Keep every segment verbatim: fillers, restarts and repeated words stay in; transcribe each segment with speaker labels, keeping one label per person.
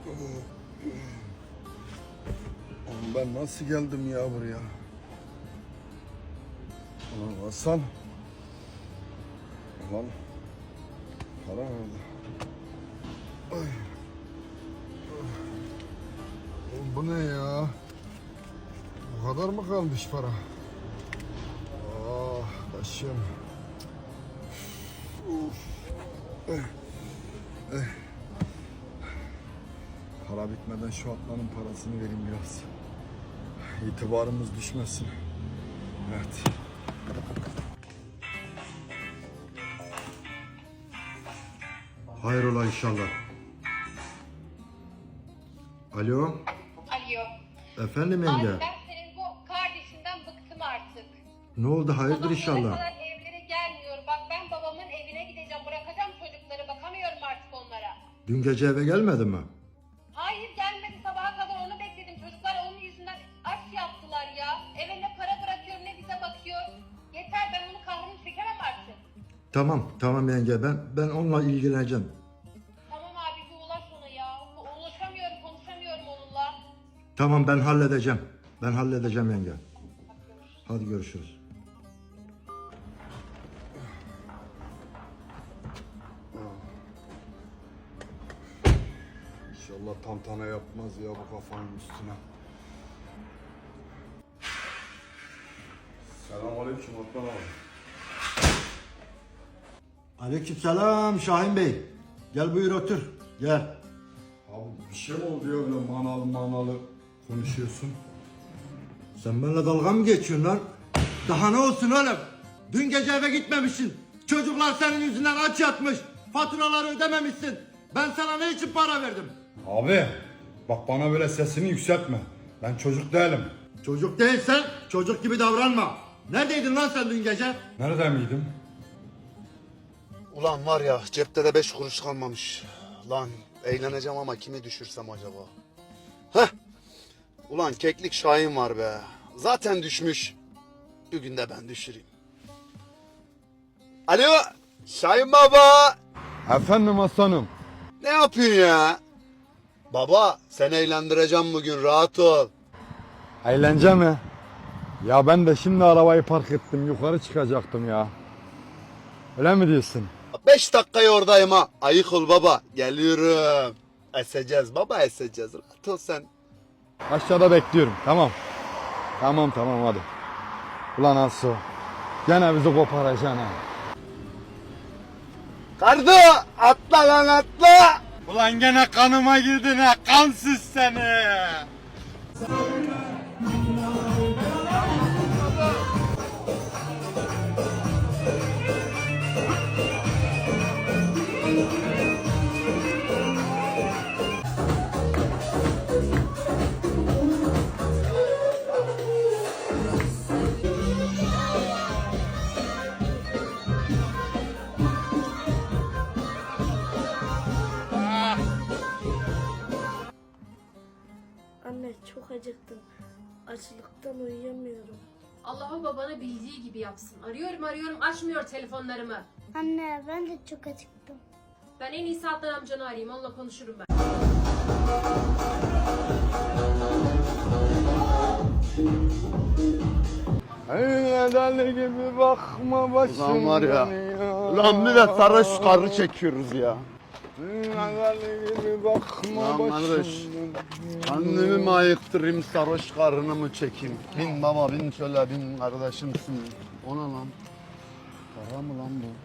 Speaker 1: Oğlum ben nasıl geldim ya buraya? Ulan Hasan. Ulan. Para nerede? Ay. Oğlum bu ne ya? Bu kadar mı kalmış para? Ah başım. Uf. Eh. Eh. Para bitmeden şu atlanın parasını vereyim biraz. İtibarımız düşmesin. Evet. Hayrola inşallah. Alo.
Speaker 2: Alo.
Speaker 1: Efendim
Speaker 2: Abi
Speaker 1: yenge.
Speaker 2: ben senin bu kardeşinden bıktım artık.
Speaker 1: Ne oldu hayırdır
Speaker 2: Babam
Speaker 1: inşallah.
Speaker 2: bana kadar evlere gelmiyor. Bak ben babamın evine gideceğim. Bırakacağım çocukları. Bakamıyorum artık onlara.
Speaker 1: Dün gece eve gelmedi mi?
Speaker 2: Hayır gelmedi. Sabaha kadar onu bekledim. Çocuklar onun yüzünden aç yaptılar ya. Eve ne para bırakıyor ne bize bakıyor. Yeter, ben onun kahrını çekemem artık.
Speaker 1: Tamam tamam yenge ben ben onunla ilgileneceğim.
Speaker 2: Tamam abi bir ulaş ona ya. Ulaşamıyorum, konuşamıyorum onunla.
Speaker 1: Tamam ben halledeceğim. Ben halledeceğim yenge. Hadi görüşürüz. İnşallah tantana yapmaz ya bu kafanın üstüne. Selamünaleyküm Atlan abi. Aleykümselam Şahin Bey. Gel buyur otur. Gel. Abi bir şey mi oldu ya böyle manalı manalı konuşuyorsun? Sen benimle dalga mı geçiyorsun lan? Daha ne olsun oğlum? Dün gece eve gitmemişsin. Çocuklar senin yüzünden aç yatmış. Faturaları ödememişsin. Ben sana ne için para verdim?
Speaker 3: Abi bak bana böyle sesini yükseltme. Ben çocuk değilim.
Speaker 1: Çocuk değilsen çocuk gibi davranma. Neredeydin lan sen dün gece?
Speaker 3: Nerede miydim?
Speaker 4: Ulan var ya cepte de beş kuruş kalmamış. Lan eğleneceğim ama kimi düşürsem acaba? Heh. Ulan keklik Şahin var be. Zaten düşmüş. Bir gün de ben düşüreyim. Alo Şahin baba.
Speaker 3: Efendim aslanım.
Speaker 4: Ne yapıyorsun ya? Baba seni eğlendireceğim bugün, rahat ol.
Speaker 3: Eğlence mi? Ya ben de şimdi arabayı park ettim. Yukarı çıkacaktım ya. Öyle mi diyorsun?
Speaker 4: Beş dakikaya oradayım ha. Ayık ol baba. Geliyorum. Eseceğiz baba, eseceğiz. Rahat ol sen.
Speaker 3: Aşağıda bekliyorum. Tamam. Tamam tamam hadi. Ulan Asu. Gene bizi koparacaksın ha.
Speaker 4: Kardo atla lan atla.
Speaker 3: Ulan gene kanıma girdin ha. Kansız seni.
Speaker 5: Anne çok acıktım. Açlıktan uyuyamıyorum.
Speaker 6: Allah'ın babana bildiği gibi yapsın. Arıyorum arıyorum açmıyor telefonlarımı.
Speaker 5: Anne ben de çok acıktım.
Speaker 6: Ben en iyisi Adnan amcanı arayayım, onunla konuşurum ben.
Speaker 3: Deli gibi bakma başım.
Speaker 4: Ulan var ya.
Speaker 3: dönüyor.
Speaker 4: Ulan millet sarhoş karı çekiyoruz ya.
Speaker 3: Deli gibi bakma
Speaker 4: Ulan
Speaker 3: başım.
Speaker 4: kardeş.
Speaker 3: dönüyor.
Speaker 4: Kendimi mi ayıktırayım, sarhoş karını mı çekeyim? Bin baba bin, şöyle bin kardeşimsin. O ne lan? Para mı lan bu?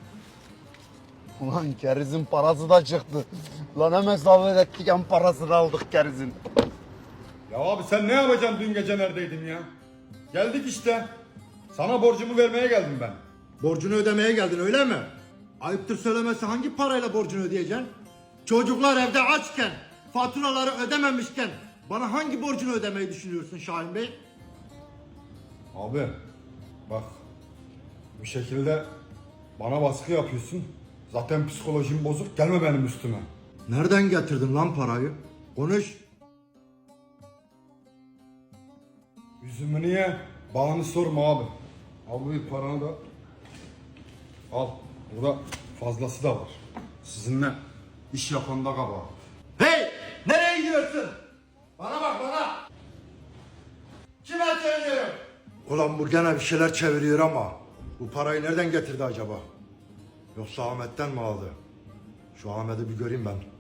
Speaker 4: Ulan kerizin parası da çıktı. Lan hem hesap ettik hem parasını aldık kerizin.
Speaker 3: Ya abi sen ne yapacaksın, dün gece neredeydin ya? Geldik işte. Sana borcumu vermeye geldim ben.
Speaker 1: Borcunu ödemeye geldin öyle mi? Ayıptır söylemesi hangi parayla borcunu ödeyeceksin? Çocuklar evde açken, faturaları ödememişken bana hangi borcunu ödemeyi düşünüyorsun Şahin Bey?
Speaker 3: Abi bak bu şekilde bana baskı yapıyorsun. Zaten psikolojim bozuk, gelme benim üstüme.
Speaker 1: Nereden getirdin lan parayı? Konuş.
Speaker 3: Yüzümü niye? Bağını sorma abi. Al bu paranı da al. Burada fazlası da var. Sizinle iş yapan da kabahat.
Speaker 1: Hey! Ne gidiyorsun? Bana bak bana. Kime söylüyorum? Ulan bu gene bir şeyler çeviriyor ama bu parayı nereden getirdi acaba? Yoksa Ahmet'ten mi aldı? Şu Ahmet'i bir göreyim ben.